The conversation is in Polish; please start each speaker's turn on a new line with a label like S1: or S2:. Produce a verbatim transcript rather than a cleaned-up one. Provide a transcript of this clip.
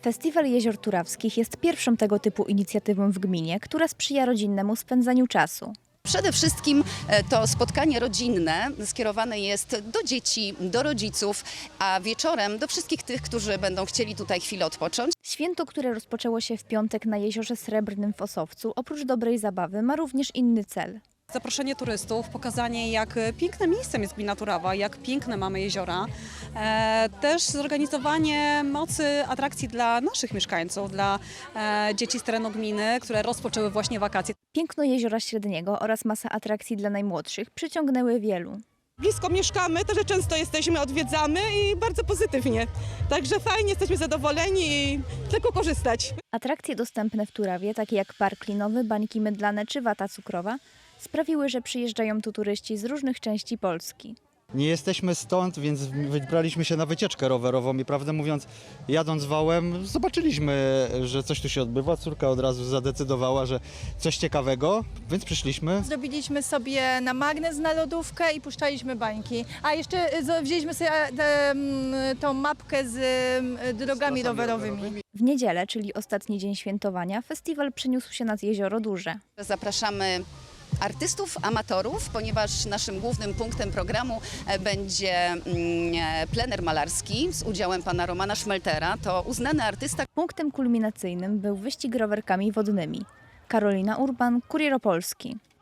S1: Festiwal Jezior Turawskich jest pierwszą tego typu inicjatywą w gminie, która sprzyja rodzinnemu spędzaniu czasu.
S2: Przede wszystkim to spotkanie rodzinne skierowane jest do dzieci, do rodziców, a wieczorem do wszystkich tych, którzy będą chcieli tutaj chwilę odpocząć.
S1: Święto, które rozpoczęło się w piątek na Jeziorze Srebrnym w Osowcu, oprócz dobrej zabawy ma również inny cel.
S3: Zaproszenie turystów, pokazanie, jak pięknym miejscem jest gmina Turawa, jak piękne mamy jeziora. E, też zorganizowanie mocy atrakcji dla naszych mieszkańców, dla e, dzieci z terenu gminy, które rozpoczęły właśnie wakacje.
S1: Piękno Jeziora Średniego oraz masa atrakcji dla najmłodszych przyciągnęły wielu.
S4: Blisko mieszkamy, także często jesteśmy, odwiedzamy i bardzo pozytywnie. Także fajnie, jesteśmy zadowoleni i tylko korzystać.
S1: Atrakcje dostępne w Turawie, takie jak park linowy, bańki mydlane czy wata cukrowa, sprawiły, że przyjeżdżają tu turyści z różnych części Polski.
S5: Nie jesteśmy stąd, więc wybraliśmy się na wycieczkę rowerową i prawdę mówiąc, jadąc wałem, zobaczyliśmy, że coś tu się odbywa. Córka od razu zadecydowała, że coś ciekawego, więc przyszliśmy.
S6: Zrobiliśmy sobie na magnes na lodówkę i puszczaliśmy bańki. A jeszcze wzięliśmy sobie tę, tą mapkę z drogami rowerowymi.
S1: W niedzielę, czyli ostatni dzień świętowania, festiwal przeniósł się nad Jezioro Duże.
S2: Zapraszamy artystów, amatorów, ponieważ naszym głównym punktem programu będzie plener malarski z udziałem pana Romana Szmeltera. To uznany artysta.
S1: Punktem kulminacyjnym był wyścig rowerkami wodnymi. Karolina Urban, Kurier Opolski.